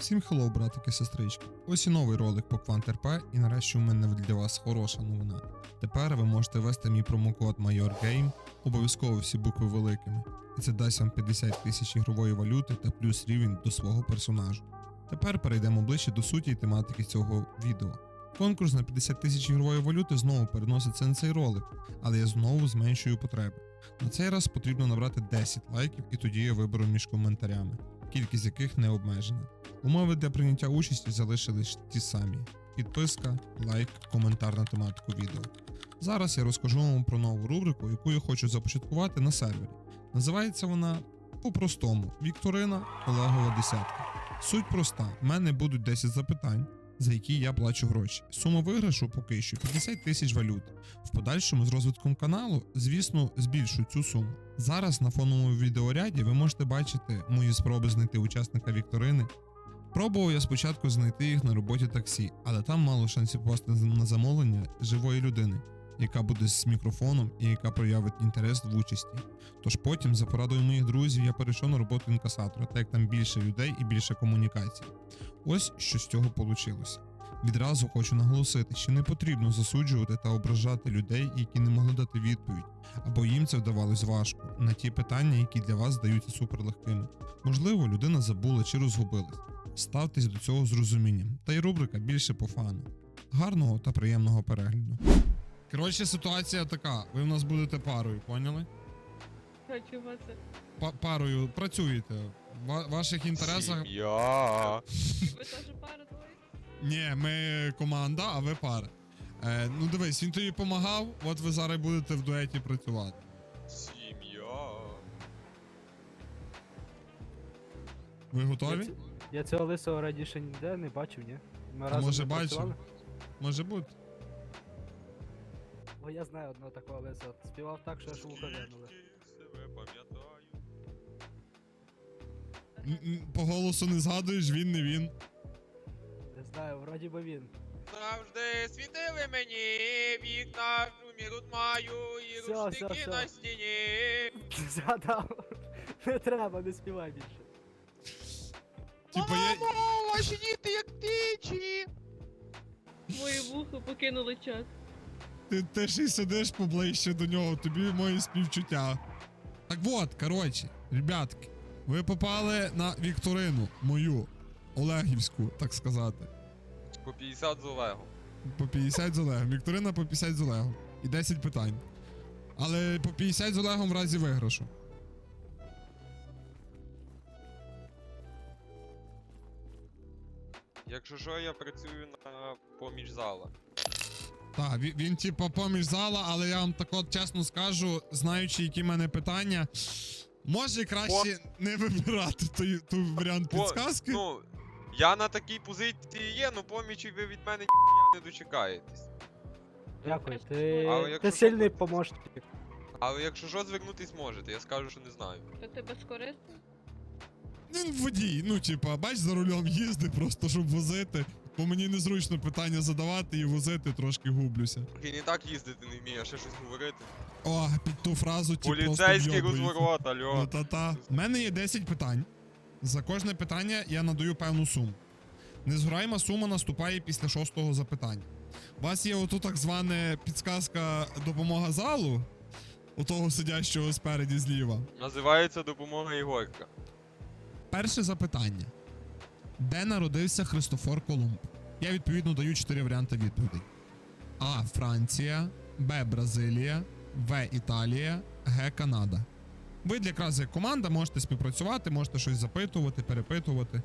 Всім хеллоу, братики, сестрички. Ось і новий ролик по QuantRP, і нарешті у мене для вас хороша новина. Тепер ви можете ввести мій промокод MajorGame, обов'язково всі букви великими, і це дасть вам 50 тисяч ігрової валюти та плюс рівень до свого персонажу. Тепер перейдемо ближче до суті і тематики цього відео. Конкурс на 50 тисяч ігрової валюти знову переноситься на цей ролик, але я знову зменшую потреби. На цей раз потрібно набрати 10 лайків, і тоді я виберу між коментарями, кількість яких не обмежена. Умови для прийняття участі залишились ті самі: підписка, лайк, коментар на тематику відео. Зараз я розкажу вам про нову рубрику, яку я хочу започаткувати на сервері. Називається вона по-простому Вікторина Олегова десятка. Суть проста: в мене будуть 10 запитань, за які я плачу гроші. Сума виграшу поки що 50 тисяч валют. В подальшому з розвитком каналу, звісно, збільшу цю суму. Зараз на фоновому відеоряді ви можете бачити мої спроби знайти учасника вікторини. Пробував я спочатку знайти їх на роботі таксі, але там мало шансів попасти на замовлення живої людини, яка буде з мікрофоном і яка проявить інтерес в участі. Тож потім, за порадою моїх друзів, я перейшов на роботу інкасатора, так як там більше людей і більше комунікацій. Ось що з цього вийшло. Відразу хочу наголосити, що не потрібно засуджувати та ображати людей, які не могли дати відповідь, або їм це вдавалось важко, на ті питання, які для вас здаються суперлегкими. Можливо, людина забула чи розгубилась. Ставтесь до цього з розумінням, та й рубрика більше по фану. Гарного та приємного перегляду. Коротше, ситуація така, ви в нас будете парою, поняли? Чого це? Парою працюєте, в ваших інтересах... Сім'я. Ви теж пара двоє? Ні, ми команда, а ви пара. Ну дивись, він тобі допомагав, от ви зараз будете в дуеті працювати. Сім'я. Ви готові? Я цього лисого раніше ніде не бачив, ні? Ми А разом може не бачив? працювали? Може бути. О, я знаю одного такого лисого. Співав так, що аж вуха вянули. Себе пам'ятаю. По голосу не згадуєш, він не він. Не знаю, вроді би він. Завжди світили мені вікна, шумі тут маю і Всьо, рушники всьо, на всьо. стіні. Згадав. Не треба, не співай більше. Типа я... Мамо, ваші діти як птичі. Моє вухо покинули чат. Ти ж і сидиш поближче до нього, тобі мої співчуття. Так от, коротше, ребятки, ви попали на вікторину мою, Олегівську, так сказати. По 50 з Олегом. По 50 з Олегом. Вікторина по 50 з Олегом. І 10 питань. Але по 50 з Олегом в разі виграшу. Якщо що, я працюю на поміж зала. Так, він типа поміж зала, але я вам так от чесно скажу, знаючи, які в мене питання, може краще не вибирати той варіант підсказки. Ну, я на такій позиції є, ну помічі ви від мене ніхуя не дочекаєтесь. Дякую, Але ти якщо сильний що, помощник. Але якщо що, звернутись можете, я скажу, що не знаю. То ти безкорисний? Він водій, ну типа, бач, за рулем їздить просто, щоб возити. Бо мені незручно питання задавати і возити, трошки гублюся. Він і так їздити не вміє, а ще щось говорити. О, під ту фразу ті просто Поліцейський вйобують. розворот, Ну альо. та-та. У мене є 10 питань. За кожне питання я надаю певну суму. Незгораєма сума наступає після 6-го запитання. У вас є оту так звана підсказка допомога залу, у того сидящого спереді зліва. Називається допомога Ігорка. Перше запитання. Де народився Христофор Колумб? Я відповідно даю 4 варіанти відповідей. А. Франція, Б. Бразилія, В. Італія, Г. Канада. Ви якраз як команда можете співпрацювати, можете щось запитувати, перепитувати.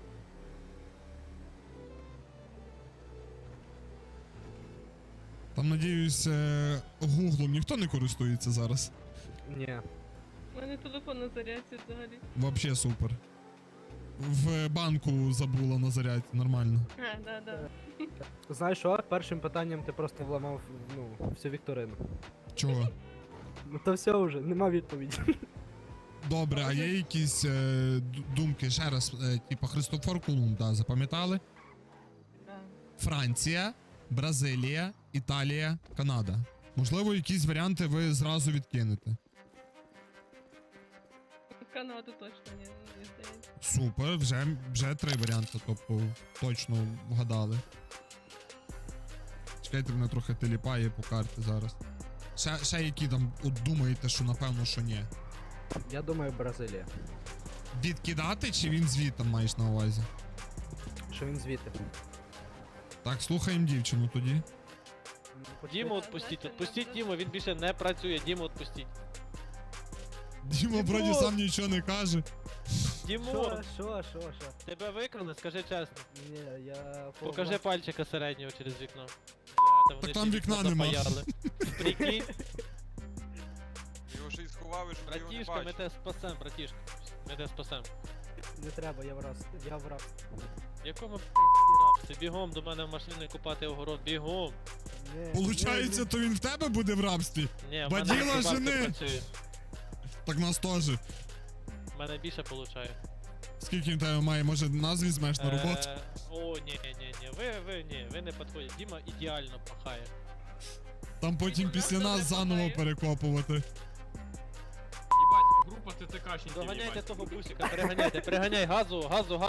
Там, надіюсь, гуглом ніхто не користується зараз. Ні. У мене телефон на зарядці взагалі. Вообще супер. В банку забула на зарядці, нормально. Да. Знаєш що? Першим питанням ти просто вламав, ну, всю вікторину. Чого? Ну то все вже, нема відповіді. Добре, а є якісь думки ще раз, типа Христофор Колумб, да, запам'ятали? Да. Франція, Бразилія, Італія, Канада. Можливо, якісь варіанти ви зразу відкинете. В Канаду точно ні, не здається. Супер, вже 3 варіанти, тобто точно вгадали. Чекайте, мене трохи теліпає по карті зараз. Ще які там от думаєте, що напевно, що ні. Я думаю, Бразилія. Відкидати чи він звідти маєш на увазі? Що він звідти. Так, слухаємо дівчину тоді. Діму відпустіть, відпустіть Діму, він більше не працює, Діму відпустіть. Діма вроді сам нічого не каже. Дімон, Що? тебе викрали, скажи чесно. Ні, я... Покажи пальчика середнього через вікно. Бля, Так там вікна нема. Прикинь, Його ще й сховав, і щоб ти його не братішка, ми бачив. тебе спасем, братішка. Ми тебе спасем. Не треба, я враз. Я враз. В якому пи***ці рабстві? Бігом до мене в машину і купати огород, бігом. Получається, то він в тебе буде в рабстві? Ні, в Баділа мене бабка жени! працює. Так нас теж. В мене більше получає. Скільки він тебе має? Може нас візьмеш на роботу? О, ні, ви не підходите. Діма ідеально пахає. Там потім Він після нас нас не заново пахає. перекопувати. Ебать, группа ТТКшників, Доганяйте ебать. того бусика, переганяй, газу.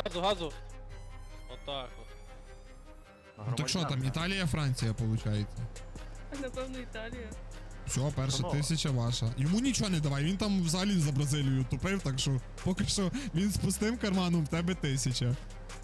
Отак от. Ну так що там, Італія, Франція, виходить? Напевно, Італія. Все, перша Панове. 1000 ваша. Йому нічого не давай, він там взагалі за Бразилію тупив, так що поки що він з пустим карманом, в тебе 1000.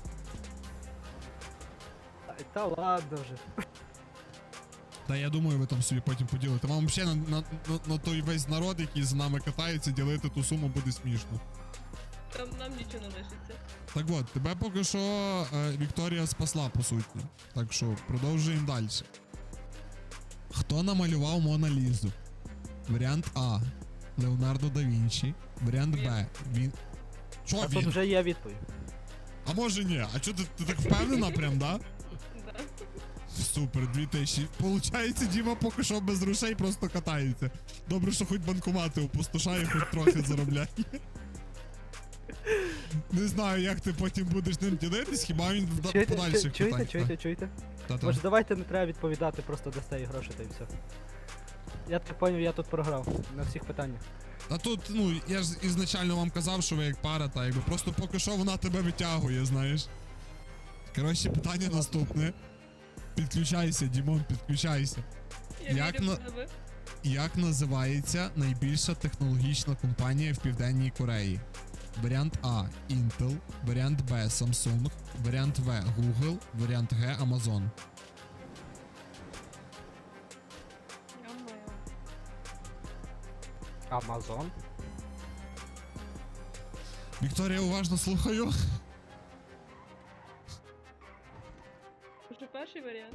Та ладно вже. Та я думаю, ви там собі потім поділите. Вам взагалі на той весь народ, який з нами катається, ділити ту суму буде смішно. Там нам нічого не лишиться. Так от, тебе поки що Вікторія спасла, по суті. Так що продовжуємо далі. Хто намалював Мона Лізу? Варіант А. Леонардо да Вінчі. Варіант Б. Він. Чо А тут він? вже є відповідь. А може ні? А чо ти так впевнена прям, да? Да. Супер, 2000. Получається, Діма поки що без грошей просто катається. Добре, що хоч банкомати опустошає, хоч трохи заробляє. Не знаю, як ти потім будеш ним ділитись, хіба він в подальших питань. Чуєте? Та-та. Може давайте не треба відповідати, просто дасте їй гроші та й все. Я так поняв, я тут програв на всіх питаннях. А тут, ну, я ж ізначально вам казав, що ви як пара, та якби просто поки що вона тебе витягує, знаєш. Коротше, питання наступне. Підключайся, Дімон, підключайся. Я Як вірю на- в тебе. Як називається найбільша технологічна компанія в Південній Кореї? Варіант А Intel, варіант Б Samsung, варіант В Google, варіант Г Amazon. Йо-моє. Амазон? Вікторія, уважно слухаю. Може перший варіант?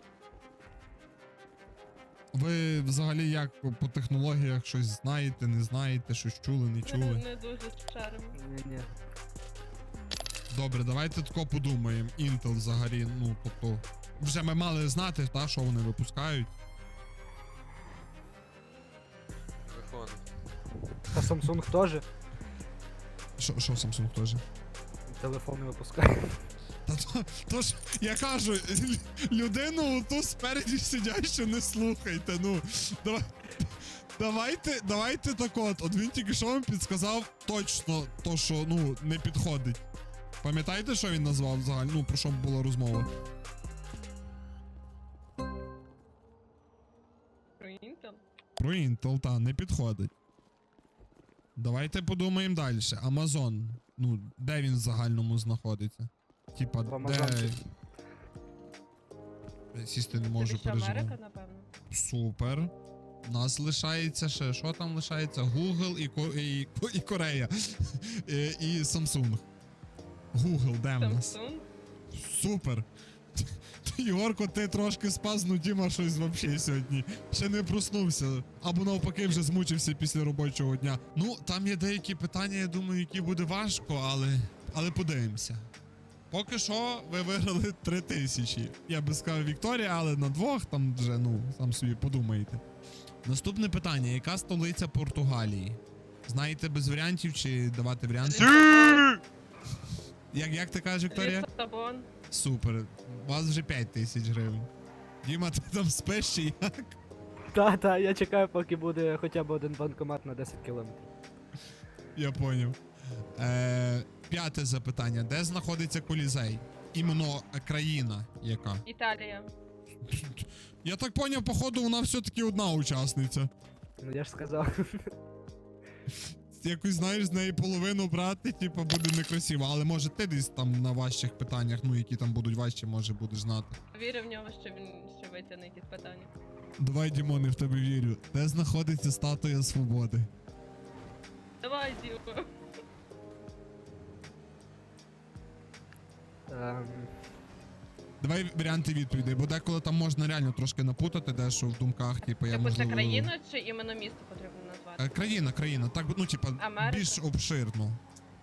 Ви взагалі як по технологіях щось знаєте, не знаєте, щось чули, не Ми чули? не дуже шаримо. Ні. Добре, давайте тако подумаємо. Intel взагалі, ну, тобто, вже ми мали знати, та, що вони випускають. Телефон. Та Samsung теж Що Samsung теж? телефони випускає. Та то ж, я кажу, людину ту спереді сидящу не слухайте, ну. Давайте так от він тільки що вам підсказав точно то, що, ну, не підходить. Пам'ятаєте, що він назвав взагалі? Ну, про що була розмова? Про Intel? Про Intel, та, не підходить. Давайте подумаємо далі. Amazon. Ну, де він в загальному знаходиться? Типа, В де... Амазонці. Сісти не можу, Це ще переживати. Америка, напевно. Супер. У нас лишається ще. Що там лишається? Google і Корея. І Samsung. Google, де в нас? Samsung? Супер. Єгорко, ти трошки спав, ну Діма щось взагалі сьогодні. Ще не проснувся. Або навпаки вже змучився після робочого дня. Ну, там є деякі питання, я думаю, які буде важко, але подивимося. Поки що ви виграли 3000. Я би сказав Вікторія, але на двох там вже, ну, сам собі подумаєте. Наступне питання. Яка столиця Португалії? Знаєте без варіантів чи давати варіанти? Як ти кажеш, Вікторія? Лісабон. Супер. У вас вже 5000 гривень. Діма, ти там спиш чи як? Та, я чекаю, поки буде хоча б один банкомат на 10 кілометрів. Я поняв. П'яте запитання. Де знаходиться Колізей? Іменно країна яка? Італія. Я так поняв, походу, вона все-таки одна учасниця. Ну я ж сказав. Якось, знаєш, з неї половину брати, типу, буде некрасиво. Але може ти десь там на важчих питаннях, ну які там будуть важчі, може будеш знати. Вірю в нього, що він ще витягне якісь питання. Давай, Дімон, я в тебе вірю. Де знаходиться статуя свободи? Давай, Діма. Давай варіанти відповідей, бо деколи там можна реально трошки напутати, дещо в думках, типу, я Типу, це можливо... країна чи іменно місто потрібно назвати? Країна. Так, ну, типа, Америка? більш обширно.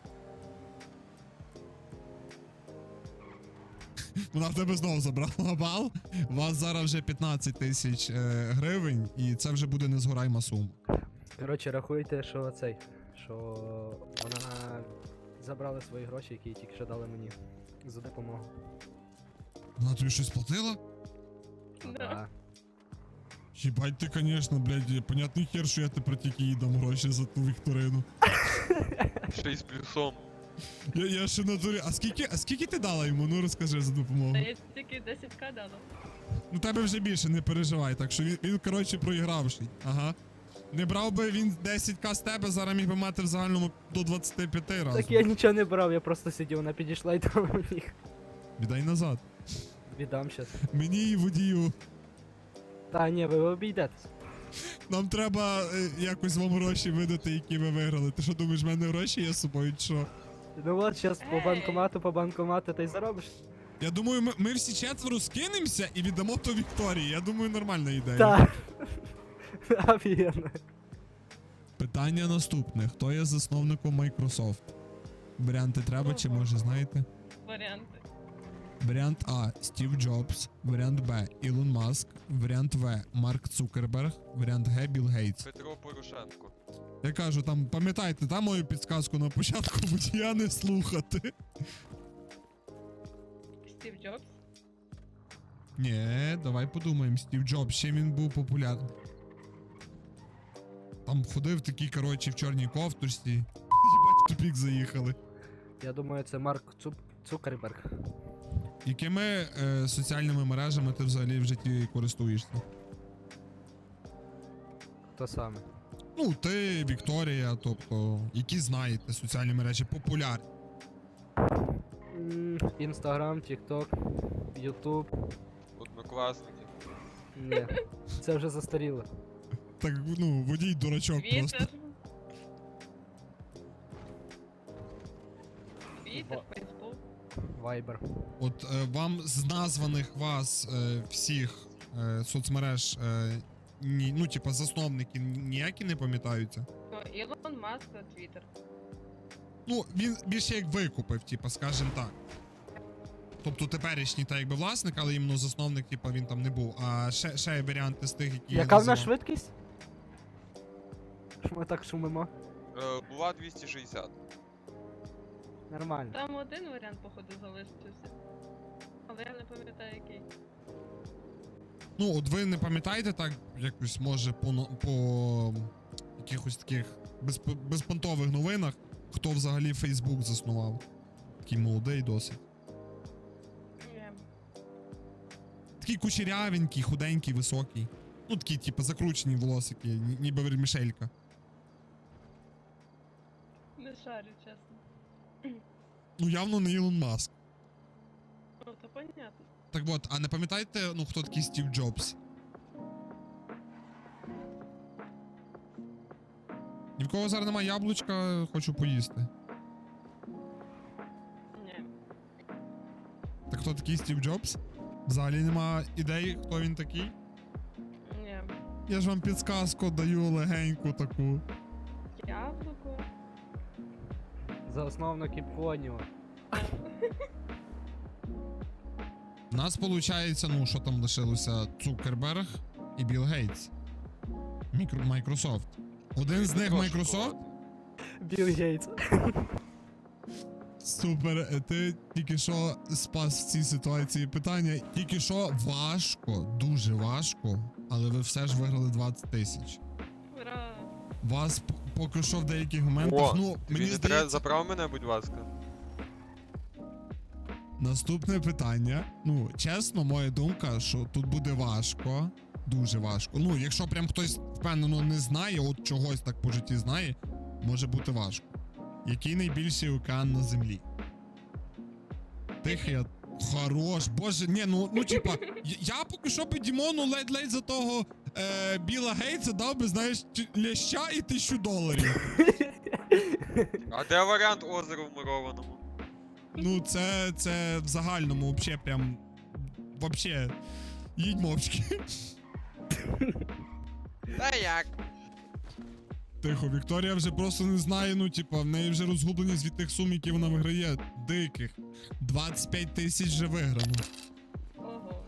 Вона в тебе знову забрала бал. У вас зараз вже 15 тисяч гривень, і це вже буде незгорайма сума. Коротше, рахуйте, що цей. Що вона забрала свої гроші, які тільки що дали мені за допомогу. Вона тобі щось платила? Да. Їбать ти, конечно, блядь, понятний хер, що я тепер тільки їй дам гроші за ту вікторину. 6 плюсом. Я ще на турі. А скільки ти дала йому? Ну розкажи за допомогу. Та я тільки 10к дала. Ну тебе вже більше, не переживай, так що він коротше, проігравший. Ага. Не брав би він 10к з тебе, зараз міг би мати в загальному до 25 разів. Так я нічого не брав, я просто сидів, вона підійшла і там міг. Віддай назад. Віддам щас. Мені і водію. Та ні, ви обійдетесь. Нам треба якось вам гроші видати, які ви виграли. Ти що думаєш, в мене гроші є з собою, чи що? Ну от, щас по банкомату та й заробиш. Я думаю, ми всі четверо скинемося і віддамо то Вікторії. Я думаю, нормальна ідея. Так. Офігенно. Питання наступне. Хто є засновником Microsoft? Варіанти треба, чи може знаєте? Варіанти. Варіант А. Стів Джобс. Варіант Б. Ілон Маск. Варіант В. Марк Цукерберг. Варіант Г. Білл Гейтс. Петро Порошенко. Я кажу, там, пам'ятайте, там мою підсказку на початку, водія не слухати. Стів Джобс. Ні, давай подумаємо. Стів Джобс, ще він був популярний. Там ходив такий, коротше, в чорній кофточці. Їбать, в тупік заїхали. Я думаю, це Марк Цукерберг. Якими соціальними мережами ти взагалі в житті користуєшся? То саме. Ну, ти, Вікторія, тобто, які знаєте соціальні мережі популярні. Інстаграм, Тікток, Ютуб. Однокласники. Ні, це вже застаріло. Так, ну, водій дурачок просто. Твіттер. Твіттер, Фейсбук. Вайбер. От вам з названих вас всіх соцмереж, ну, типа, засновники ніякі не пам'ятаються? Ну, Ілон Маск та Твіттер. Ну, він більше як викупив, типа, скажем так. Тобто теперішній та якби власник, але іменно засновник, типа, він там не був. А ще є варіанти з тих, які я Яка в нас називав. швидкість? Що ми так шумимо? Була 260. Нормально. Там один варіант, походу, залишився. Але я не пам'ятаю, який. Ну, от ви не пам'ятаєте так, якось, може, по якихось таких безпонтових новинах, хто взагалі Фейсбук заснував? Такий молодий досить. Ні. Такий кучерявенький, худенький, високий. Ну, такі, типу, закручені волосики, ніби Вермішелька. Не шарю, чесно. Ну, явно не Ілон Маск. Ну, то понятно. Так от, а не пам'ятаєте, ну, хто такий Стів Джобс? Ні в кого зараз немає яблучка, хочу поїсти. Ні. Так хто такий Стів Джобс? Взагалі нема ідей, хто він такий? Ні. Я ж вам підсказку даю легеньку таку. Яблуко. Засновник Іпоніо. У нас виходить, ну, що там лишилося? Цукерберг і Білл Гейтс. Microsoft. Один з них Microsoft? Білл Гейтс. Супер, ти тільки що спас в цій ситуації питання. Тільки що важко, дуже важко, але ви все ж виграли 20 тисяч. Ура. Вас поки що в деяких моментах, О, ну, тобі мені не треба, здається, заправ мене, будь ласка. наступне питання. Ну, чесно, моя думка, що тут буде важко. Дуже важко. Ну, якщо прям хтось впевнено не знає, от чогось так по житті знає, може бути важко. Який найбільший океан на землі? Тихий. Хорош, боже, ні, ну типа, я поки що би Дімону ледь-ледь за того Біла Гейтса дав би, знаєш, ляща і $1000. А де варіант озера в мурованому? Ну, це в загальному вообще прям. Вообще. Їдь мовчки. Та як? Тихо, Вікторія вже просто не знає, ну, типа, в неї вже розгубленість від тих сум, які вона виграє. Диких. 25 тисяч вже виграно. Ого.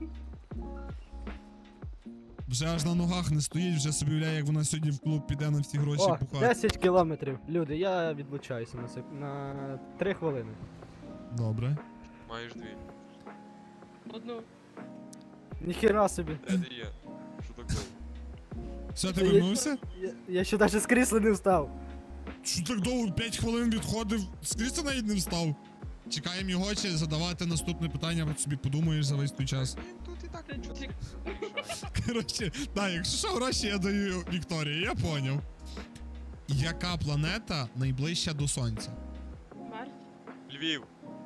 Вже аж на ногах не стоїть, вже собі уявляє, як вона сьогодні в клуб піде на всі гроші О, пухати. 10 кілометрів. Люди, я відлучаюся на 3 хвилини. Добре. Маєш дві. Одну. Ніхіра собі. Де ти є? Що так довго? Все, ти вернувся? Я ще навіть з крісла не встав. Що так довго? 5 хвилин відходив, з крісла навіть не встав. Чекаємо його, чи задавати наступне питання, от собі подумаєш за весь той час. Він тут і так Ти нічого чик. не рішає. Коротше, так, якщо що, гроші я даю Вікторії, я поняв. Яка планета найближча до Сонця? Марс. Львів.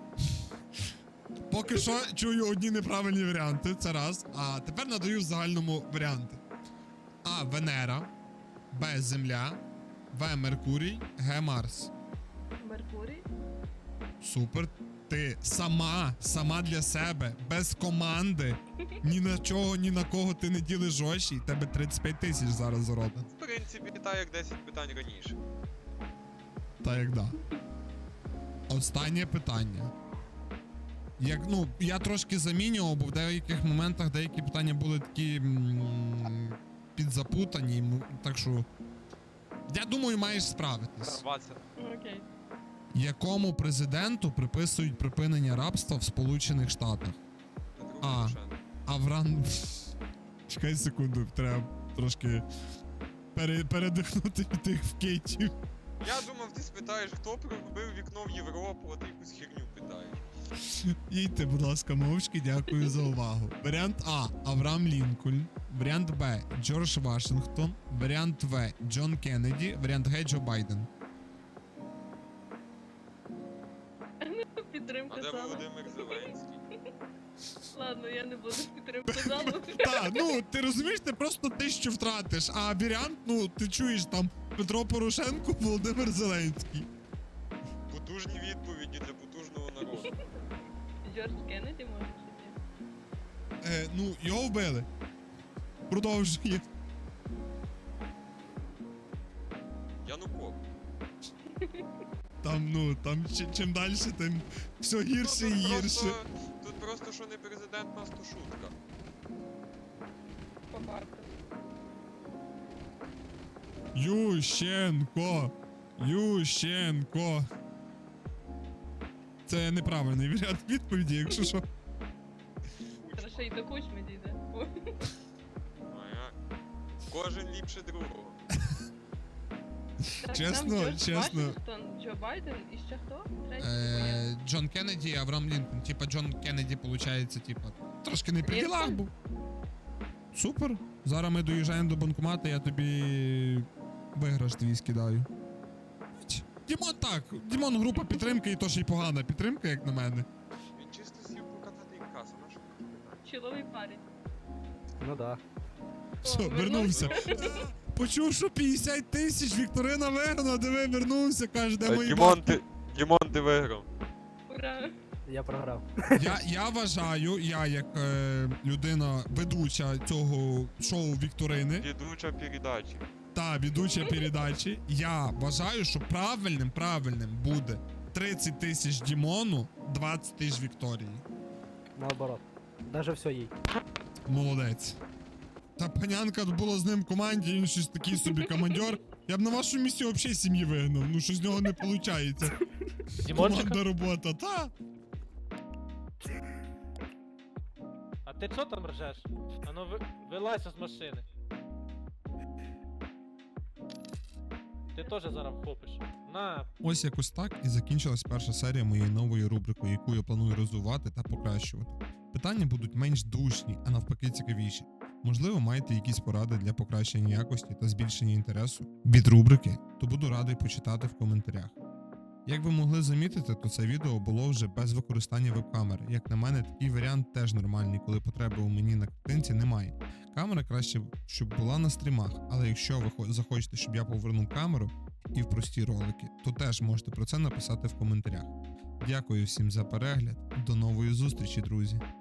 Поки що чую одні неправильні варіанти, це раз. А тепер надаю в загальному варіанти. А. Венера. Б. Земля. В. Меркурій. Г. Марс. Меркурій. Супер. Ти сама для себе, без команди. Ні на чого, ні на кого ти не ділиш гроші, і тебе 35 тисяч зараз заробить. В принципі, так як 10 питань раніше. Та як да. Останнє питання. Ну, я трошки замінював, бо в деяких моментах деякі питання були такі підзапутані, так що. Я думаю, маєш справитись. Зарватися. Окей. Якому президенту приписують припинення рабства в Сполучених Штатах? Петру А. Порошенку. Аврам. Чекай секунду, треба трошки передихнути від тих вкейтів. Я думав, ти спитаєш, хто проробив вікно в Європу, а ти якусь херню питаєш. Їдьте, будь ласка, мовчки, дякую за увагу. Варіант А. Авраам Лінкольн. Варіант Б. Джордж Вашингтон. Варіант В. Джон Кеннеді. Варіант Г. Джо Байден. Підтримка А де зала. Володимир Зеленський? Ладно, я не буду підтримку залу. Так, ну ти розумієш, ти просто 1000 втратиш, а варіант, ну ти чуєш там Петро Порошенко, Володимир Зеленський. Потужні відповіді для потужного народу. Джордж Кеннеді може чи ні? Ну, його вбили. Продовжує. Януков. Там чим далі, тим все гірше і Ну, гірше. Тут просто що не президент, нас то шутка. По факту. Ющенко. Це неправильний варіант відповіді, якщо що. Зараз ще й до кучми дійде. Ой. Ага. Кожен ліпше другого. Так, Чесно, там Джордж чесно. Вашингтон, Джо Байден і ще хто? Третій? Ні. Джон Кеннеді, Авраам Лінкольн. Типа Джон Кеннеді, виходить, типа, трошки не при ділах Лінкольн? був. Супер. Зараз ми доїжджаємо до банкомату, я тобі виграш твій скидаю. Дімон так, Дімон група підтримки і то ще й погана підтримка, як на мене. Він чисто сів покатати інкасу, на що ти питаєш? Чоловий парень. Ну да. Все, О, вернувся. Почув, що 50 тисяч, Вікторина виграна, диви, вернувся, каже, де мої Дімон, ти виграв. Ура. Я програв. Я вважаю, я як людина ведуча цього шоу Вікторини Ведуча передачі. та ведуча передачі, я вважаю, що правильним буде 30 тисяч Дімону, 20 тисяч Вікторії. Наоборот. Даже все їй. Молодець. Та панянка була з ним в команді, він щось такий собі командьор. Я б на вашу місці взагалі сім'ї вигнав, ну що з нього не виходить. Дімончика? Команда робота, та? А ти що там ржеш? Ану вилазь з машини. Ти теж зараз вхопиш. На, Ось якось так і закінчилась перша серія моєї нової рубрики, яку я планую розвивати та покращувати. Питання будуть менш душні, а навпаки цікавіші. Можливо, маєте якісь поради для покращення якості та збільшення інтересу від рубрики, то буду радий почитати в коментарях. Як ви могли замітити, то це відео було вже без використання веб-камери. Як на мене, такий варіант теж нормальний, коли потреби у мені на картинці немає. Камера краще, щоб була на стрімах, але якщо ви захочете, щоб я повернув камеру і в прості ролики, то теж можете про це написати в коментарях. Дякую всім за перегляд, до нової зустрічі, друзі!